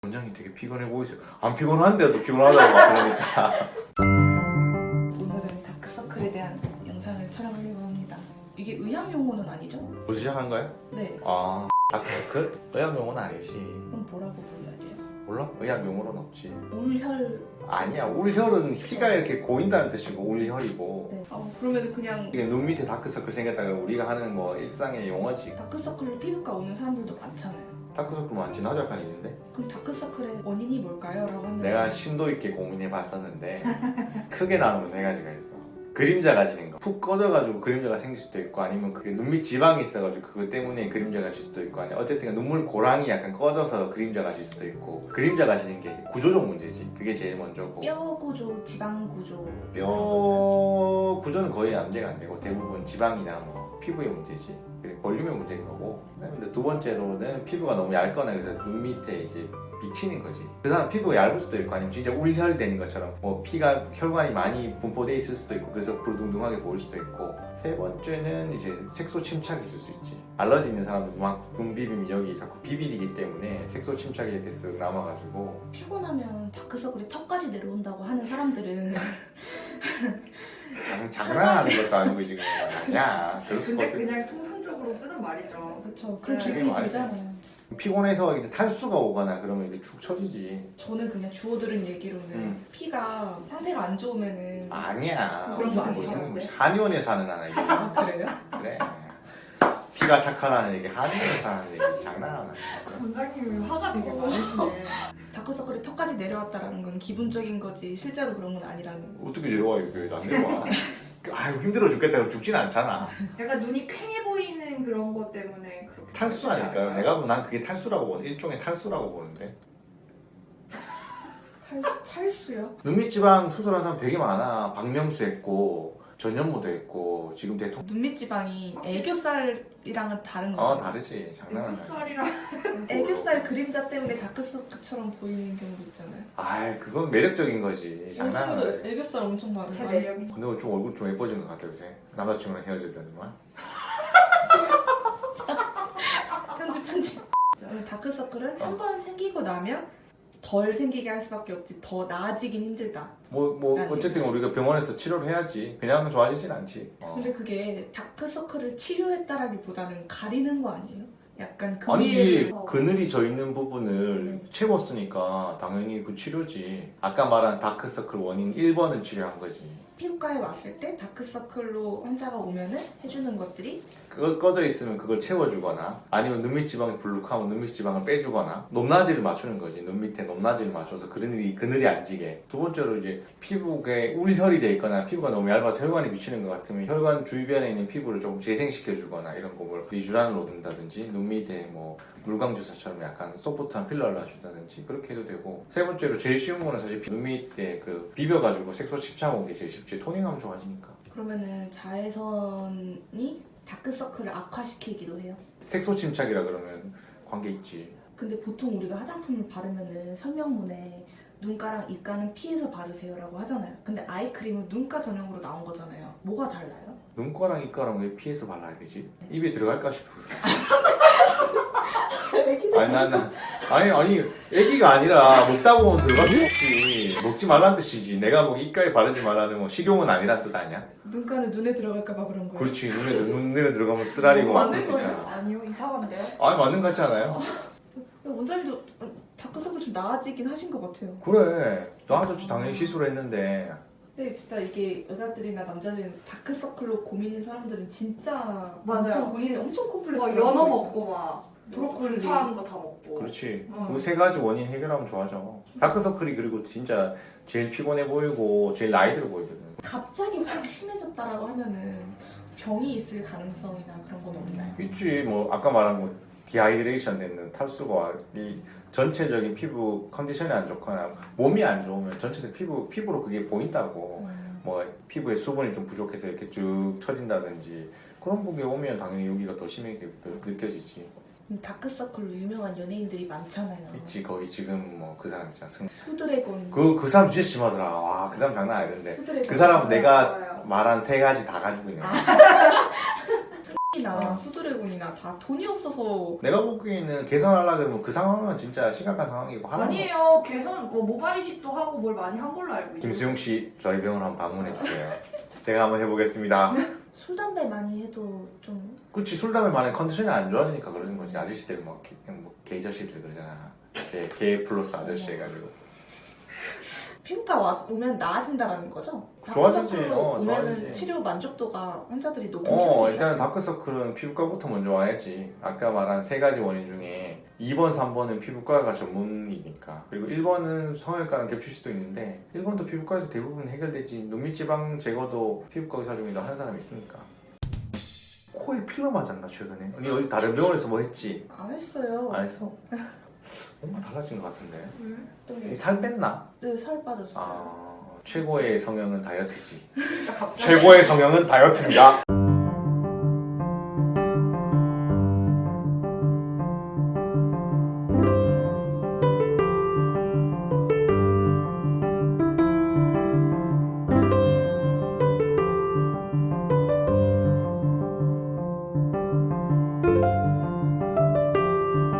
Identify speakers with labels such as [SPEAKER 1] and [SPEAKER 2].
[SPEAKER 1] 원장님 되게 피곤해 보이세요. 안 피곤한데도 피곤하다고 막 그러니까.
[SPEAKER 2] 오늘은 다크서클에 대한 영상을 촬영하려고 합니다. 이게 의학 용어는 아니죠?
[SPEAKER 1] 벌써 시작한 거야?
[SPEAKER 2] 네.
[SPEAKER 1] 아, 다크서클? 의학 용어는 아니지.
[SPEAKER 2] 그럼 뭐라고 불러야 돼요?
[SPEAKER 1] 몰라? 의학 용어는 없지.
[SPEAKER 2] 울혈.
[SPEAKER 1] 아니야, 울혈은 피가 이렇게 고인다는 뜻이고 울혈이고.
[SPEAKER 2] 네. 그러면 그냥
[SPEAKER 1] 이게 눈 밑에 다크서클 생겼다가 우리가 하는 뭐 일상의 용어지.
[SPEAKER 2] 다크서클로 피부과 오는 사람들도 많잖아요.
[SPEAKER 1] 다크서클 많지, 나도 약간 있는데.
[SPEAKER 2] 그럼 다크서클의 원인이 뭘까요? 라고 하면
[SPEAKER 1] 내가 심도 있게 고민해 봤었는데 크게 나누면 세 가지가 있어. 그림자가 지는 거. 푹 꺼져가지고 그림자가 생길 수도 있고, 아니면 그게 눈밑 지방이 있어가지고 그것 때문에 그림자가 질 수도 있고, 아니면 어쨌든 눈물 고랑이 약간 꺼져서 그림자가 질 수도 있고. 그림자가 지는 게 이제 구조적 문제지. 그게 제일 먼저고.
[SPEAKER 2] 뼈 구조, 지방 구조.
[SPEAKER 1] 뼈 구조는 거의 문제가 안 되고, 대부분 지방이나 뭐 피부의 문제지. 그리고 볼륨의 문제인 거고. 그다음에 두 번째로는 피부가 너무 얇거나 그래서 눈 밑에 이제 미치는 거지. 그 사람 피부가 얇을 수도 있고, 아니면 진짜 울혈되는 것처럼 뭐 피가 혈관이 많이 분포돼 있을 수도 있고, 그래서 부르둥둥하게 보일 수도 있고. 세 번째는 이제 색소 침착이 있을 수 있지. 알러지 있는 사람들 막 눈 비비면 여기 자꾸 비비리기 때문에 색소 침착이 이렇게 쓱 남아가지고.
[SPEAKER 2] 피곤하면 다크서클이 턱까지 내려온다고 하는 사람들은
[SPEAKER 1] 장난하는 것도 아니고 지금. 아니야. 그럴 수가
[SPEAKER 3] 근데
[SPEAKER 1] 없지.
[SPEAKER 3] 그냥 통상적으로 쓰는 말이죠.
[SPEAKER 2] 그렇죠. 그런
[SPEAKER 3] 네.
[SPEAKER 2] 기분이
[SPEAKER 1] 그게
[SPEAKER 2] 들잖아요.
[SPEAKER 1] 피곤해서 이제 탈수가 오거나 그러면 이게 축 처지지.
[SPEAKER 2] 저는 그냥 주워들은 얘기로는 피가 상태가 안 좋으면은
[SPEAKER 1] 아니야.
[SPEAKER 2] 그런 거
[SPEAKER 1] 무슨
[SPEAKER 2] 아니에요?
[SPEAKER 1] 한의원에서 하는 하나 이게.
[SPEAKER 2] 아, 그래요?
[SPEAKER 1] 그래. 피가 탁하다는 얘기, 한의원에서 하는 얘기 장난하나.
[SPEAKER 3] 원장님이 화가 되게 많으시네.
[SPEAKER 2] 다크서클이 턱까지 내려왔다라는 건 기분적인 거지 실제로 그런 건 아니라는 거.
[SPEAKER 1] 어떻게 내려와 이게 안 내려와. 아이고 힘들어 죽겠다. 그럼 죽진 않잖아.
[SPEAKER 3] 약간 눈이 퀭해 보이는 그런 것 때문에 그렇게
[SPEAKER 1] 탈수
[SPEAKER 3] 느끼지
[SPEAKER 1] 아닐까요?
[SPEAKER 3] 않아요?
[SPEAKER 1] 내가 보면 난 그게 탈수라고 보는데, 일종의 탈수라고 보는데.
[SPEAKER 2] 탈수요?
[SPEAKER 1] 눈밑지방 수술한 사람 되게 많아. 박명수 했고 전현무도 했고 지금 대통령.
[SPEAKER 2] 눈밑 지방이 애교살이랑은 다른
[SPEAKER 1] 어
[SPEAKER 2] 거죠.
[SPEAKER 1] 다르지. 장난하나.
[SPEAKER 3] 햇살이랑
[SPEAKER 2] 애교살 그림자 때문에 다크서클처럼 보이는 경우도 있잖아요.
[SPEAKER 1] 아 그건 매력적인 거지. 장난하나.
[SPEAKER 2] 저도 애교살 엄청 많아요.
[SPEAKER 3] 제 매력이
[SPEAKER 1] 근데 좀 얼굴 좀 예뻐진 것 같아 요새. 남자친구랑 헤어졌다더만.
[SPEAKER 2] 편집. 다크서클은 한 번 생기고 나면 덜 생기게 할 수밖에 없지 더 나아지긴 힘들다.
[SPEAKER 1] 뭐
[SPEAKER 2] 라는
[SPEAKER 1] 어쨌든
[SPEAKER 2] 얘기지.
[SPEAKER 1] 우리가 병원에서 치료를 해야지. 그냥 하면 좋아지진 않지.
[SPEAKER 2] 근데 그게 다크서클을 치료했다라기보다는 가리는 거 아니에요? 약간 그
[SPEAKER 1] 아니지.
[SPEAKER 2] 위에를-
[SPEAKER 1] 그늘이 져 있는 부분을
[SPEAKER 2] 네.
[SPEAKER 1] 채웠으니까 당연히 그 치료지. 아까 말한 다크서클 원인 1번을 치료한 거지.
[SPEAKER 2] 피부과에 왔을 때 다크서클로 환자가 오면은 해주는 것들이
[SPEAKER 1] 그거 꺼져 있으면 그걸 채워주거나, 아니면 눈밑 지방이 불룩하면 눈밑 지방을 빼주거나, 높낮이를 맞추는 거지. 눈 밑에 높낮이를 맞춰서 그늘이 안 지게. 두 번째로 이제 피부에 울혈이 돼 있거나 피부가 너무 얇아서 혈관이 미치는 것 같으면 혈관 주변에 있는 피부를 조금 재생시켜주거나, 이런 거를 리쥬란을 놓는다든지, 눈 밑에 뭐 물광 주사처럼 약간 소프트한 필러를 놔준다든지 그렇게 해도 되고. 세 번째로 제일 쉬운 거는 사실 눈 밑에 그 비벼가지고 색소 침착 오는 게 제일 쉽지. 토닝하면 좋아지니까.
[SPEAKER 2] 그러면은 자외선이 다크서클을 악화시키기도 해요.
[SPEAKER 1] 색소 침착이라 그러면 관계 있지.
[SPEAKER 2] 근데 보통 우리가 화장품을 바르면은 설명문에 눈가랑 입가는 피해서 바르세요라고 하잖아요. 근데 아이크림은 눈가 전용으로 나온 거잖아요. 뭐가 달라요?
[SPEAKER 1] 눈가랑 입가랑 왜 피해서 발라야 되지? 입에 들어갈까 싶어서. 아니 애기가 아니라 먹다 보면 들어갈 수 있지. 먹지 말란 뜻이지. 내가 뭐 입가에 바르지 말라는 뭐 식용은 아니란 뜻 아니야?
[SPEAKER 2] 눈가는 눈에 들어갈까 봐 그런 거예요.
[SPEAKER 1] 그렇지. 눈에 들어가면 쓰라리고
[SPEAKER 3] 맞는
[SPEAKER 1] 아플 수
[SPEAKER 3] 거예요?
[SPEAKER 1] 있잖아.
[SPEAKER 3] 아니요 이상한데요?
[SPEAKER 1] 아니 맞는 거 같지 않아요?
[SPEAKER 2] 원장님도 다크서클 좀 나아지긴 하신 것 같아요.
[SPEAKER 1] 그래. 나아졌지. 당연히 시술을 했는데.
[SPEAKER 2] 근데 진짜 이게 여자들이나 남자들이나 다크서클로 고민인 사람들은 진짜
[SPEAKER 3] 맞아요.
[SPEAKER 2] 엄청 본인이 엄청 콤플렉스.
[SPEAKER 3] 뭐 연어 먹고 막
[SPEAKER 2] 브로콜리.
[SPEAKER 3] 좋다는 거 다 먹고.
[SPEAKER 1] 그렇지.
[SPEAKER 3] 어.
[SPEAKER 1] 그 세 가지 원인 해결하면 좋아져. 다크서클이 그리고 진짜 제일 피곤해 보이고 제일 나이 들어 보이거든.
[SPEAKER 2] 갑자기 확 심해졌다라고 하면은 병이 있을 가능성이나 그런 건 없나요?
[SPEAKER 1] 있지. 뭐 아까 말한 뭐 디하이드레이션 되는 탈수가 이 전체적인 피부 컨디션이 안 좋거나 몸이 안 좋으면 전체적 피부로 그게 보인다고. 뭐 피부에 수분이 좀 부족해서 이렇게 쭉 처진다든지 그런 게 오면 당연히 여기가 더 심하게 느껴지지.
[SPEAKER 2] 다크서클로 유명한 연예인들이 많잖아요.
[SPEAKER 1] 있지. 거기 지금 뭐 그 사람 있잖아.
[SPEAKER 2] 수드래곤.
[SPEAKER 1] 그 사람 진짜 심하더라. 와, 그 사람 장난 아니던데.
[SPEAKER 2] 수드래곤.
[SPEAKER 1] 그 사람은 내가
[SPEAKER 3] 맞아요.
[SPEAKER 1] 말한 세 가지 다 가지고 있는 거야.
[SPEAKER 2] 스파크이나 수드래곤이나 다 돈이 없어서
[SPEAKER 1] 내가 보기에는 개선하려 그러면 그 상황은 진짜 심각한 상황이고 하는 거.
[SPEAKER 3] 아니에요. 개선 뭐 모발 이식도 하고 뭘 많이 한 걸로 알고 있어요.
[SPEAKER 1] 김수용 씨 저희 병원 한번 방문해 주세요. 제가 한번 해보겠습니다.
[SPEAKER 2] 술 담배 많이 해도 좀
[SPEAKER 1] 그렇지 술 담배 많이 컨디션이 안 좋아지니까 그러는 거지. 아저씨들 뭐 게이저씨들 그러잖아. 게 플러스 아저씨 해가지고.
[SPEAKER 2] 피부과 오면 나아진다라는 거죠?
[SPEAKER 1] 좋아지지.
[SPEAKER 2] 다크서클로 오면은
[SPEAKER 1] 좋아지지.
[SPEAKER 2] 치료 만족도가 환자들이 높은 편이에요.
[SPEAKER 1] 일단 다크서클은 피부과부터 먼저 와야지. 아까 말한 세 가지 원인 중에 2번, 3번은 피부과가 전문이니까. 그리고 1번은 성형외과랑 겹칠 수도 있는데 1번도 피부과에서 대부분 해결되지. 눈밑지방 제거도 피부과 의사 중에 하는 사람이 있으니까. 코에 필러 맞았나 최근에? 언니 어디 다른 병원에서 뭐 했지?
[SPEAKER 2] 안 했어요.
[SPEAKER 1] 안 했어? 뭔가 달라진 것 같은데.
[SPEAKER 2] 어떤
[SPEAKER 1] 이
[SPEAKER 2] 게?
[SPEAKER 1] 살 뺐나?
[SPEAKER 2] 네, 살 빠졌어요.
[SPEAKER 1] 최고의 성형은 다이어트지. 최고의 성형은 다이어트입니다.